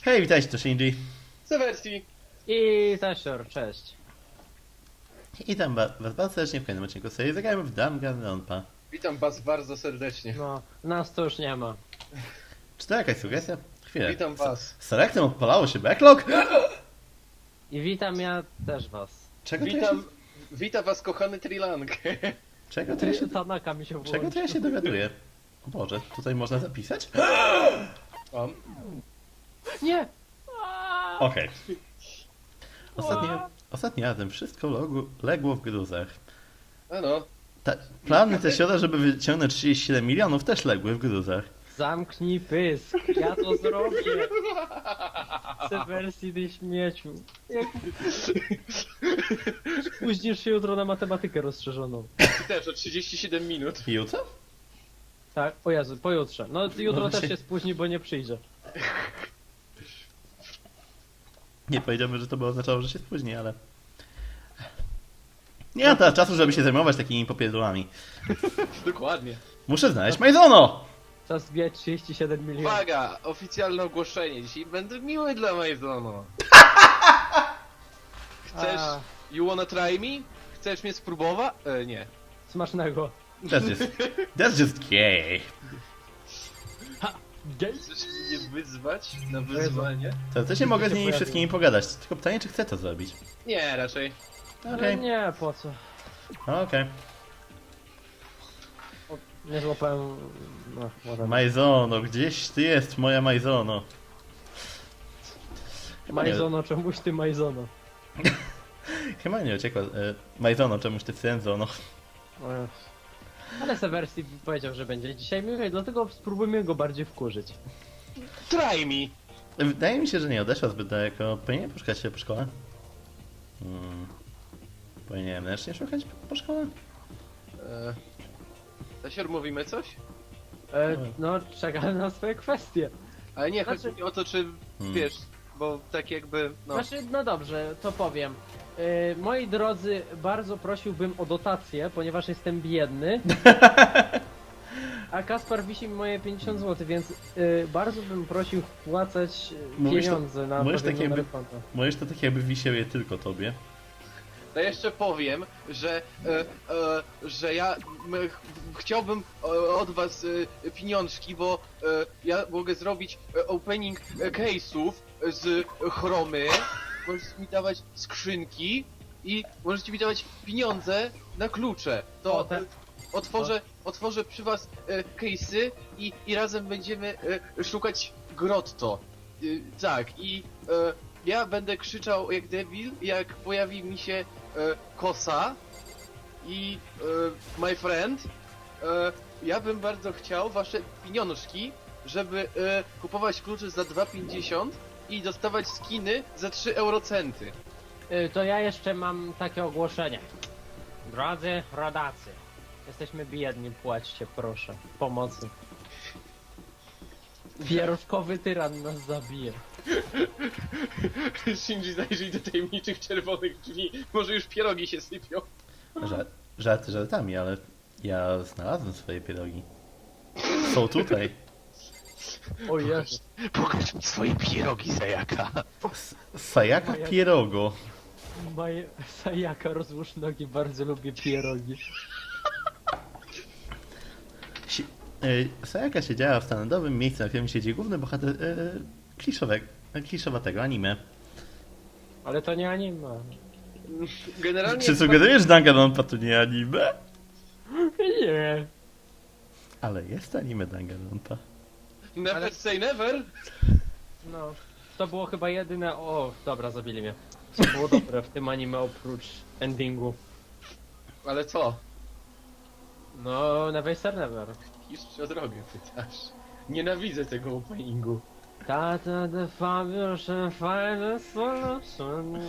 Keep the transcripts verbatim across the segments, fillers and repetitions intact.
Hej, witajcie, to Shinji. Sewersji. I Zasior, cześć. I tam was bardzo serdecznie w kolejnym odcinku serii zagrajmy w Danganronpa. Witam was bardzo serdecznie. No, nas to już nie ma. Czy to jakaś sugestia? Chwilę. Witam was. Z Selectem odpalało się backlog? I witam ja też was. Czego to ja Witam, się... witam was kochany Trilang. Czego to ja się... Tanaka mi się Czego włączy. to ja się dowiaduję? O Boże, tutaj można zapisać? O, Nie! Okej. Ostatnio, ostatnim razem wszystko logu, legło w gruzach. ano. Ta, plany te sioda, żeby wyciągnąć trzydzieści siedem milionów też legły w gruzach. Zamknij pysk, ja to zrobię. Sewersji ty śmieciu. Jak... Spóźnisz się jutro na matematykę rozszerzoną. I też o trzydzieści siedem minut. I jutro? Tak, o Jezu, pojutrze. No jutro No też właśnie. się spóźni, bo nie przyjdzie. Nie powiedziałbym, że to by oznaczało, że się spóźni, ale... Nie mam teraz czasu, żeby się zajmować takimi popierdolami. Dokładnie. Muszę znaleźć Maizono! Czas zbijać trzydzieści siedem milionów. Uwaga, oficjalne ogłoszenie. Dzisiaj będę miły dla Maizono. Chcesz... A, You wanna try me? Chcesz mnie spróbować? E, nie. smacznego. That's just... That's just gay. Gej? Chcesz mnie wyzwać na wyzwanie? To też nie mogę z się nimi pojawiło. wszystkimi pogadać. Tylko pytanie, czy chcę to zrobić. Nie, raczej. Okej, No nie, po co? okej. O, nie złapałem... No, whatever. Maizono, gdzieś ty jest, moja Maizono. Chyba nie, Majzono, czemuś ty Majzono. chyba nie uciekła. E, Maizono, czemuś ty Senzono. O Jezu. Ale Sewersji powiedział, że będzie dzisiaj miły, dlatego spróbujmy go bardziej wkurzyć. Try me! Wydaje mi się, że nie odeszła zbyt daleko. Powinienem poszukać się po szkole? Hmm. Powinienem ręcznie szukać po szkole? E, Zasior, mówimy coś? E, no, czekam na swoje kwestie. Ale nie, Znaczy- chodzi mi o to, czy Hmm. wiesz, bo tak jakby, no... Znaczy, no dobrze, to powiem. E, moi drodzy, bardzo prosiłbym o dotację, ponieważ jestem biedny. A Kaspar wisi mi moje pięćdziesiąt złotych, więc e, bardzo bym prosił wpłacać e, Mówisz to- pieniądze na mówisz pewien tak jakby- numer konta. Mówisz to tak jakby wisiał je tylko tobie. To jeszcze powiem, że, e, e, że ja m, ch chciałbym e, od was e, pieniążki, bo e, ja mogę zrobić e, opening e, case'ów z chromy, możecie mi dawać skrzynki i możecie mi dawać pieniądze na klucze. To O, te- e, otworzę, otworzę przy was e, case'y i, i razem będziemy e, szukać grotto. E, tak, i e, ja będę krzyczał jak debil, jak pojawi mi się e, kosa i e, my friend. E, ja bym bardzo chciał wasze pieniążki, żeby e, kupować klucze za dwa pięćdziesiąt i dostawać skiny za trzy eurocenty. E, to ja jeszcze mam takie ogłoszenie. Drodzy rodacy, jesteśmy biedni, płaćcie proszę. Pomocy. Pieruszkowy tyran nas zabije. Shinji, zajrzyj do tajemniczych czerwonych drzwi, może już pierogi się sypią. Żart, żarty żartami, ale ja znalazłem swoje pierogi. Są tutaj. O Jezu. Pokaż mi swoje pierogi, Zajaka. S- Sajaka pierogo. Maj... Sajaka, rozłóż nogi, bardzo lubię pierogi. Si y, Sajaka siedziała w standardowym miejscu, na którym siedzi główny bohater y, kliszowego, kliszowatego anime. Ale to nie anime. Generalnie... Czy sugerujesz, że Danganronpa to nie anime? Nie. Ale jest anime Danganronpa. Never Ale- say never. No. To było chyba jedyne... O, dobra, zabili mnie. Co było dobre w tym anime oprócz endingu. Ale co? No, Never Say Never. Jeszcze o drogę pytasz. Nienawidzę tego openingu. Ta ta the fabulous and final solution.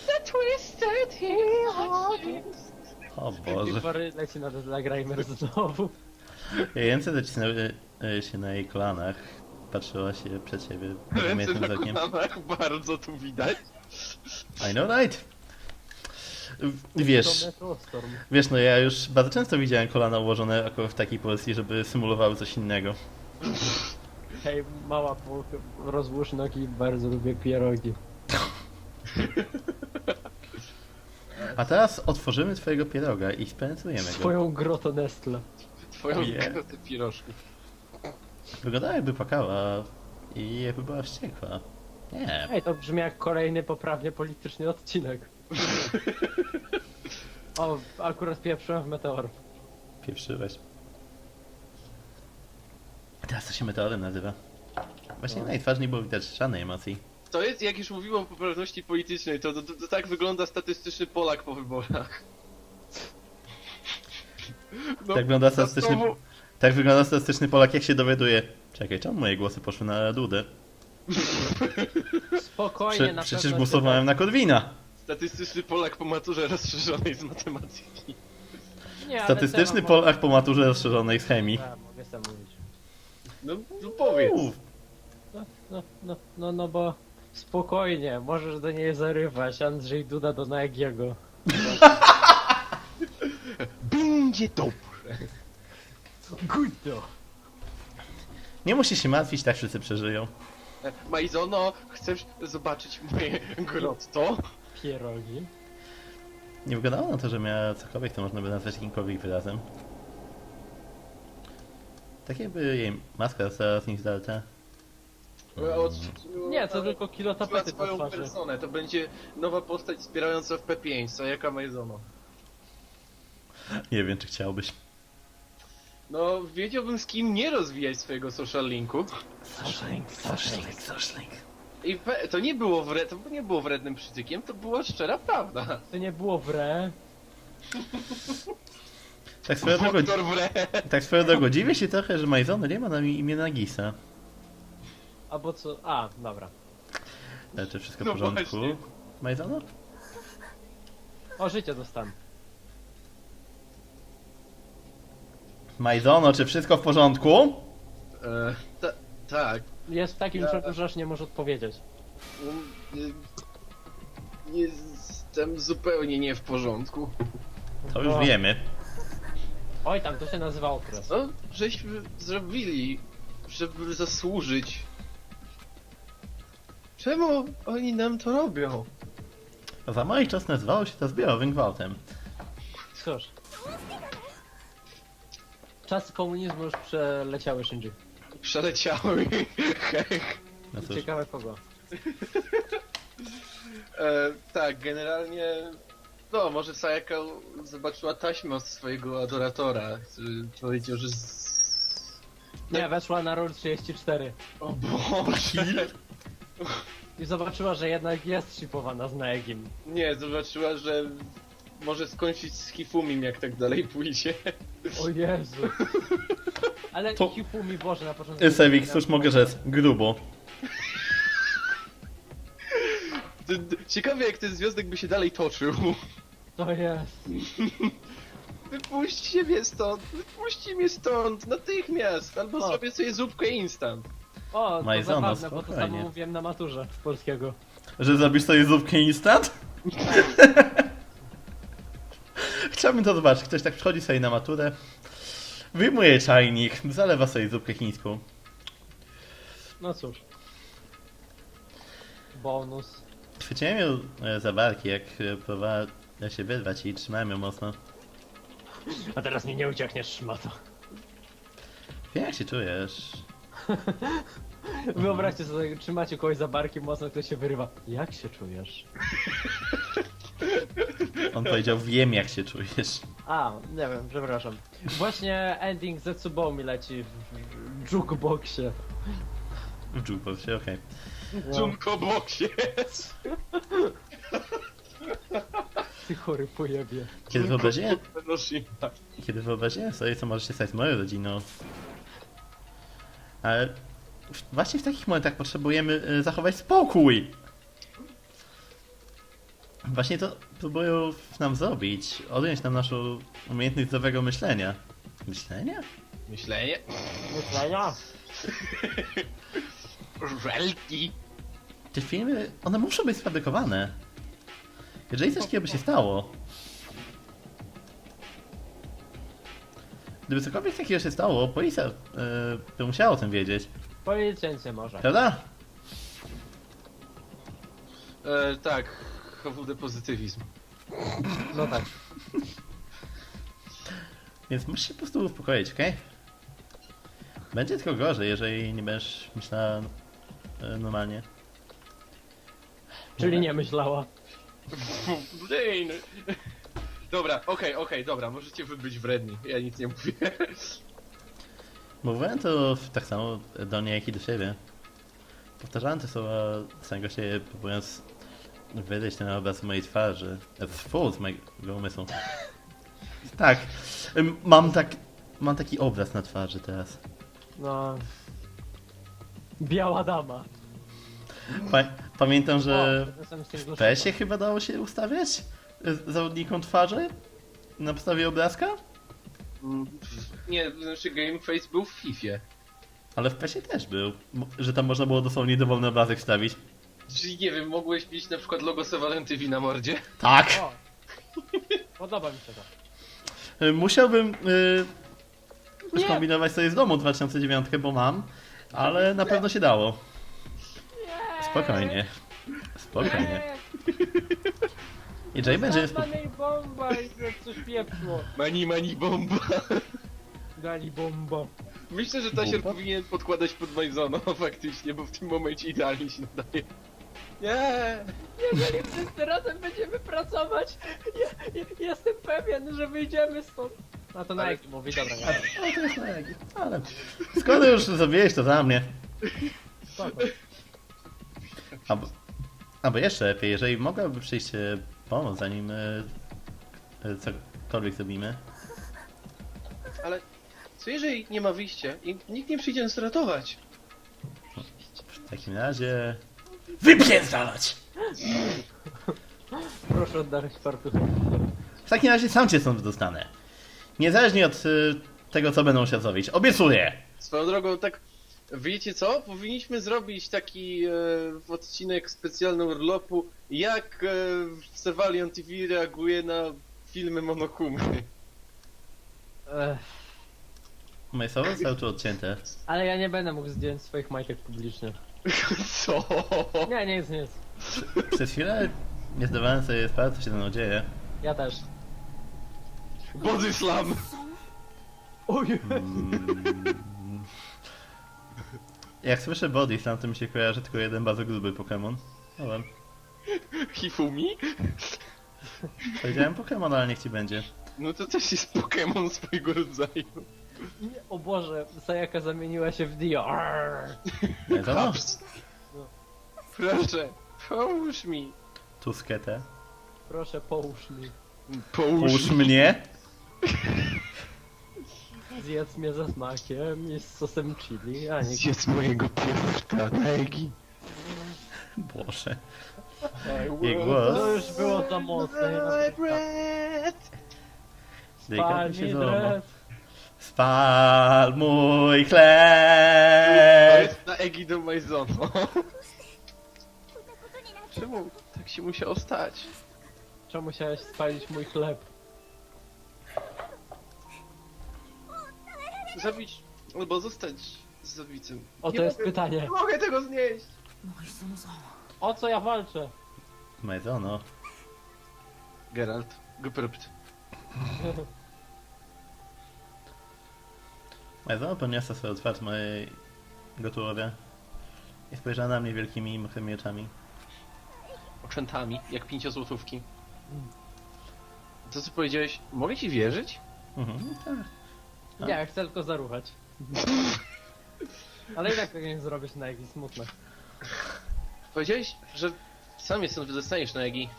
O Boże. Pary leci na Deadline znowu. Ręce zacisnęły y, się na jej kolanach. Patrzyła się przed siebie Ręce niemieckim na wzrokiem. kolanach, bardzo tu widać. I know right. W- Wiesz, To Metrostorm. wiesz, no ja już bardzo często widziałem kolana ułożone akurat w takiej pozycji, żeby symulowały coś innego. Hej, mała, po- rozłóż nogi, bardzo lubię pierogi. A teraz otworzymy twojego pieroga i spenetrujemy go. Swoją grotę Nestle. Twoją Ojej. grotę pirożków. Wyglądała jakby płakała i jakby była wściekła. Nie. Ej, to brzmi jak kolejny poprawnie polityczny odcinek. O, akurat pieprzyłem w meteor. Pieprzyłeś. Teraz to się meteorem nazywa. Właśnie No. na jej twarzy nie było widać żadnej emocji. To jest, jak już mówiłem o poprawności politycznej, to, to, to, to tak wygląda statystyczny Polak po wyborach. No, Tak wygląda to statystyczny, znowu- tak wygląda statystyczny Polak, jak się dowiaduje. Czekaj, czemu moje głosy poszły na Dudę? Spokojnie, Prze na przecież pewno głosowałem na Korwina. Statystyczny Polak po maturze rozszerzonej z matematyki. się- Nie, ale Statystyczny temat- Polak po maturze rozszerzonej z chemii. A, mogę sam mówić. No, no powiedz. Uff, No, no, no, no, no bo spokojnie, możesz do niej zarywać. Andrzej Duda do Nagiego. Będzie dobrze. Gudo! nie musisz się martwić, tak wszyscy przeżyją. E, Majzono, chcesz zobaczyć moje grotto? Pierogi. Nie wyglądało na to, że miała cokolwiek, to można by nazwać jakimkolwiek wyrazem. Tak jakby jej maska została z nich zdalta. E, Od, Nie, to tylko kilo na tapety po swoją twarzy. personę, to będzie nowa postać wspierająca w P pięć, co jaka Majzono. Nie wiem, czy chciałbyś. No, wiedziałbym z kim nie rozwijać swojego social linku. Socialink, socialink, socialink. I pe- to nie było wre- to nie było wrednym przytykiem, to była szczera prawda. To nie było w re. Tak swoją drogą, Doktor wre. tak swoją drogą, dziwię się trochę, że Majzony nie ma na imię Nagisa. Albo co? A, dobra. Ale czy wszystko w No porządku? właśnie. Majzono? O, życie dostanę. Majzono, czy wszystko w porządku? E, ta- tak. Jest w takim Ja- szoku, że aż nie może odpowiedzieć. Um, nie- Jestem zupełnie nie w porządku. To już O. wiemy. Oj, tam to się nazywa okres. No, żeśmy zrobili, żeby zasłużyć. Czemu oni nam to robią? Za moich czas nazywało się to zbiorowym gwałtem. Cóż. Czasy komunizmu już przeleciały, Shinji. Przeleciały. Hech. No cóż, Ciekawe kogo. E, tak, generalnie. No, może Sayaka zobaczyła taśmę od swojego adoratora, który powiedział, że. Z... Nie, weszła na roll trzydzieści cztery. O Boże! I zobaczyła, że jednak jest shipowana z Naegim. Nie, zobaczyła, że może skończyć z Hifumim, jak tak dalej pójdzie. O Jezu. Ale To- to... Hifumi, Boże, na początku... Sewik, cóż mogę rzec? Grubo. D- d- Ciekawe, jak ten związek by się dalej toczył. To jest. Wypuśćcie mnie stąd! Wypuśćcie mnie stąd! Natychmiast! Albo O. zrobię sobie zupkę instant. O, to Majzono, zabawne, bo to spokojnie. samo mówiłem na maturze z polskiego. Że zrobisz sobie zupkę instant? Chciałbym to zobaczyć. Ktoś tak przychodzi sobie na maturę, wyjmuje czajnik, zalewa sobie zupkę chińską. No cóż. Bonus. Chwyciłem ją e, za barki, jak e, próbowała się wyrwać i trzymałem ją mocno. A teraz mi nie uciekniesz, szmato. Wiem, jak się czujesz. Wyobraźcie sobie, trzymacie kogoś za barki mocno, ktoś się wyrywa. Jak się czujesz? On powiedział, wiem jak się czujesz. A, nie wiem, przepraszam. Właśnie ending Zetsubou mi leci w, w jukeboxie. W jukeboxie, okej. No, Junko boksie! ty chory pojebie. Kiedy wyobraziłem, Hiroshima. kiedy wyobraziłem sobie, co może się stać z moją rodziną. Ale w- właśnie w takich momentach potrzebujemy e, zachować spokój. Właśnie to próbują nam zrobić. Odjąć nam naszą umiejętność zdrowego myślenia. Myślenia? Myślenie? Myślenia? Żelki! Te filmy, one muszą być sfabrykowane. Jeżeli coś takiego by się stało... Gdyby cokolwiek takiego się stało, policja e, by musiała o tym wiedzieć. Policjant może. Prawda? E, tak, H W D pozytywizm. No tak. Więc musisz się po prostu uspokoić, okej? Będzie tylko gorzej, jeżeli nie będziesz myślała e, normalnie. Czyli nie myślała. Blin! Dobra, okej, okej, dobra, możecie wy być wredni, ja nic nie mówię. Mówiłem to tak samo do niej, jak i do siebie. Powtarzałem te słowa samego siebie, próbując wydać ten obraz mojej twarzy. Fu, z mojego umysłu. Tak, ym, mam tak, mam taki obraz na twarzy teraz. No. Biała dama. Pa pamiętam, że O, jestem z tym w zgłoszony. P E S-ie chyba dało się ustawiać y, zawodnikom twarzy na podstawie obrazka? Nie, znaczy Gameface był w Fifie. Ale w P E S-ie też był, mo- że tam można było dosłownie dowolny obrazek wstawić. Czyli nie wiem, mogłeś mieć na przykład logo Sevalentywi na mordzie? Tak! O. Podoba mi się to. Y, Musiałbym y, Nie. skombinować sobie z domu dwa tysiące dziewięć, bo mam, ale na pewno się dało. Spokojnie. Spokojnie. I Jay będzie... Spo... Zastanej bomba i jak coś pieprzło. Mani, mani, bomba. Gali bombo. Myślę, że Tasier Bomba? powinien podkładać pod Majzono faktycznie, bo w tym momencie idealnie się nadaje. Nie! Jeżeli wszyscy razem będziemy pracować, ja, ja, jestem pewien, że wyjdziemy stąd. A to na Ale- jaki mówi, dobra, ja. O, to jest Nagi. Ale... Skoro już zrobiłeś to za mnie. Spoko. Albo, albo jeszcze lepiej, jeżeli mogłaby przyjść e, pomóc, zanim e, e, cokolwiek zrobimy. Ale co jeżeli nie ma wyjścia i nikt nie przyjdzie nas ratować? W takim razie... Wypierdalać! Proszę oddać fartuchy. W takim razie sam cię stąd dostanę. Niezależnie od e, tego, co będą się zrobić. Obiecuję! Swoją drogą, tak, wiecie co? Powinniśmy zrobić taki e, odcinek specjalny urlopu, jak e, Servalion T V reaguje na filmy Monokumy. Ech, Moje słowa zostały tu odcięte. ale ja nie będę mógł zdjąć swoich majtek publicznie. Co? Nie, nic, nic. Przez chwilę nie zdawałem sobie sprawy, co się ze mną dzieje. Ja też. Body slam! Oj, Mm. Jak słyszę body slam, to mi się kojarzy tylko jeden bardzo gruby Pokémon. No wiem. Hifumi? Powiedziałem Pokémon, ale niech ci będzie. No to też jest Pokémon swojego rodzaju. nie, o Boże, Sayaka zamieniła się w Dio. Arr. Nie to? Haps. Proszę, połóż mi. Tusketę. Proszę, połóż mi. Połóż Puść mi. mnie. Zjedz mnie ze smakiem i z sosem chili, a nie... Zjedz mojego piórka, Negi. Boże. I Jej will głos. To już było za mocne. my breath. Delikatnie się Pani złamał. Dres. Spal mój To chleb. jest na Egi do Majzono. Czemu tak się musiało stać? Czemu musiałeś spalić mój chleb? Zabić albo zostać z zabicym. O, Nie to jest mogę- pytanie. Nie mogę tego znieść! O co ja walczę? Majzono. Geralt, guprypt. Majzono podniosła swoją twarz mojego tułowia i spojrzała na mnie wielkimi, mokrymi oczami. Oczętami, jak pięciozłotówki. To co powiedziałeś, mogę ci wierzyć? Mhm, tak. Nie, ja chcę tylko zaruchać. Ale i tak tego nie zrobisz na jakiś smutne. Powiedziałeś, że sam je stąd wydostaniesz na Egi.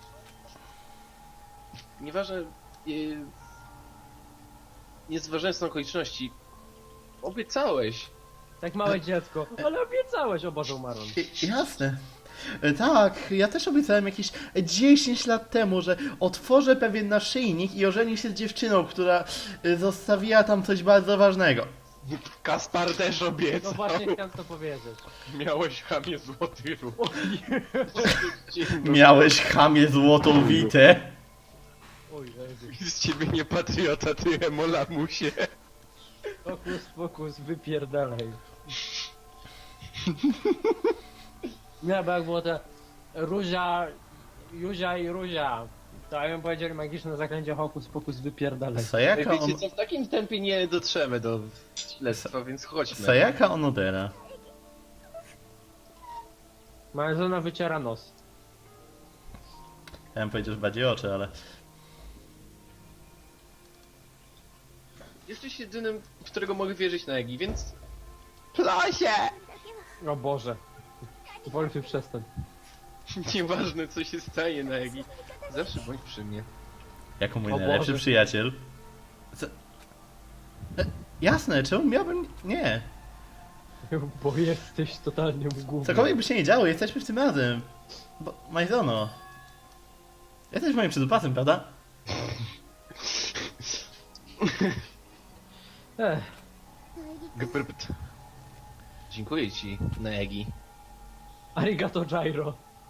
Nieważne... Yy, nie zważając na okoliczności, obiecałeś. Tak małe dziecko. Ale obiecałeś, o Boże, umarłem. I- Jasne. E, Tak, ja też obiecałem jakieś dziesięć lat temu, że otworzę pewien naszyjnik i ożenię się z dziewczyną, która e, zostawiła tam coś bardzo ważnego. Kaspar też No obiecał. właśnie chciałem to powiedzieć. Miałeś chamie złoty ruch. Miałeś chamie złotą witę. Oj, Jezu. Z ciebie nie patriota, ty emolamusie. Fokus, fokus, wypierdalaj. Nie, bo jak było to Ruzia, Juzia i Ruzia, to ja bym powiedzieli magiczne zaklęcie hokus pokus wypierdalaj. Sayaka, Wiecie on... co, w takim tempie nie dotrzemy do śledztwa, więc chodźmy. Sayaka Onodera. Malzona wyciera nos. Ja bym powiedział, że bardziej oczy, ale... Jesteś jedynym, w którego mogę wierzyć na Egi, więc... Plasie! O Boże. Wolfy przestań. Nieważne co się stanie na Egi, zawsze bądź przy mnie. Jako mój O najlepszy Boże. przyjaciel. Co? E, jasne, czemu miałbym... Nie. Bo jesteś totalnie w głowie. Cokolwiek by się nie działo, jesteśmy w tym razem. Bo... Majzono. Jesteś moim przydupasem, prawda? Ech, Gprpt. Dziękuję ci, Naegi. arigato gyro.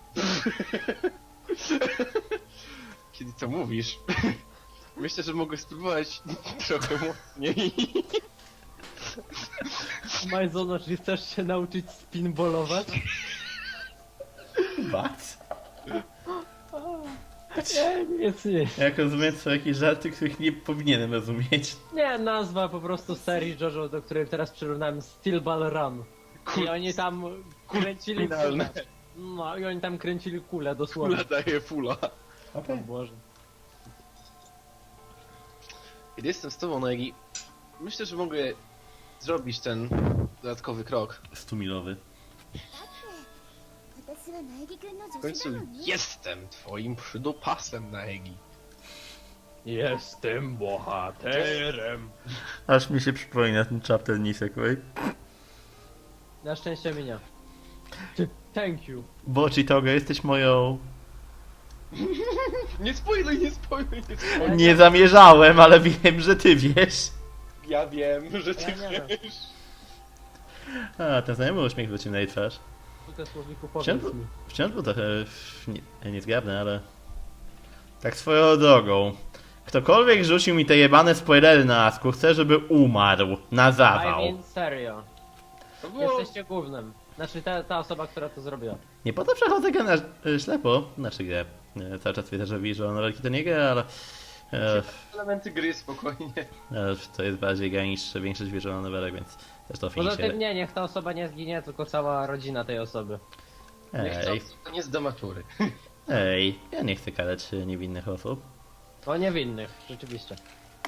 Kiedy to mówisz? Myślę, że mogę spróbować trochę mocniej. Majzono, czy chcesz się nauczyć spinballować? What? Nie, nic nie. Jak rozumiem, są jakieś żarty, których nie powinienem rozumieć. Nie, nazwa po prostu serii JoJo, do której teraz przyrównałem Steel Ball Run. I oni tam kręcili Finalne. kulę. No i oni tam kręcili kulę dosłownie. Fula daje fula. O Boże. Kiedy jestem z tobą, Naegi, myślę, że mogę zrobić ten dodatkowy krok. Stumilowy. 私は苗木くんの W 助手 końcu なのね jestem twoim przydopasem, Naegi. Jestem bohaterem. Aż mi się przypomina ten chapter Nisekoi. Na szczęście minia. Ty- Thank you. Bo Chitoga, jesteś moją... Nie spoiluj, nie spoiluj, nie spoiluj. Nie zamierzałem, ale wiem, że ty wiesz. Ja wiem, że ty Ja nie wiem. wiesz. A, ten znajomy uśmiech wrócił na jej twarz. Tylko słowniku Wciąż, powiedz mi. wciąż był trochę nie, niezgrabny, ale... Tak swoją drogą. Ktokolwiek rzucił mi te jebane spoilery na asku, chcę, żeby umarł. Na I zawał. mean serio. To było... Jesteście głównym. Znaczy ta, ta osoba, która to zrobiła. Nie po to przechodzę grę na y, ślepo. Znaczy grę. Y, Cały czas widzę, że Visual Novelki to nie gra, ale... e, Elementy gry, spokojnie. e, To jest bardziej gra niż większość Visual Novelek, więc też to Poza finish. tym nie, niech ta osoba nie zginie, tylko cała rodzina tej osoby. Nie chcę, Ej, to nie z domatury. ej, ja nie chcę karać y, niewinnych osób. O niewinnych, rzeczywiście.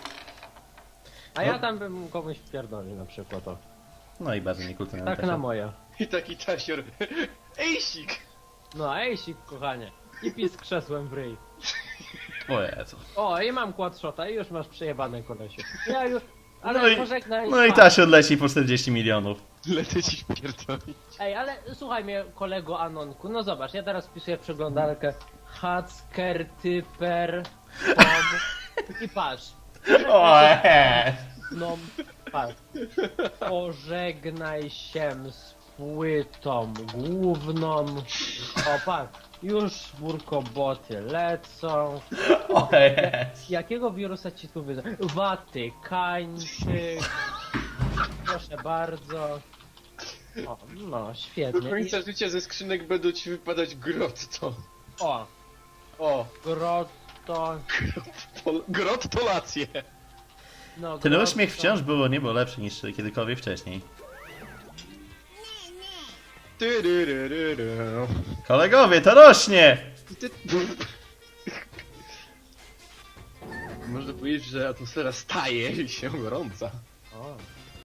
A ja tam bym komuś wpierdolił na przykład o. No i bardzo niekulturalne. Tak na moje. I taki tasior. Ejsik! No ejsik, kochanie. I pis krzesłem w ryj. O Jezu. O, i mam quadshota i już masz przejebane kolesiu. Ja już... Ale No i- pożegnaj. No i Tasio odleci po czterdzieści milionów. Lecę ci pierdolić. Ej, ale słuchaj mnie, kolego Anonku, no zobacz, ja teraz wpisuję przeglądarkę Hacker, Typer, Tom i patrz. O Jezu. No, patrz. Pożegnaj się z płytą główną. O, patrz. Już burkoboty lecą. O Jezu. Jakiego wirusa ci tu wyda? Watykańczyk. Proszę bardzo. O, no, Do świetnie. I, końca życia ze skrzynek będą ci wypadać grotto. o, O, grotto. to, grottolacje. No, Ten grotto. uśmiech wciąż było niebo lepszy niż kiedykolwiek wcześniej. Tyryryryry. Kolegowie, to rośnie! Ty- Można powiedzieć, że atmosfera staje się gorąca.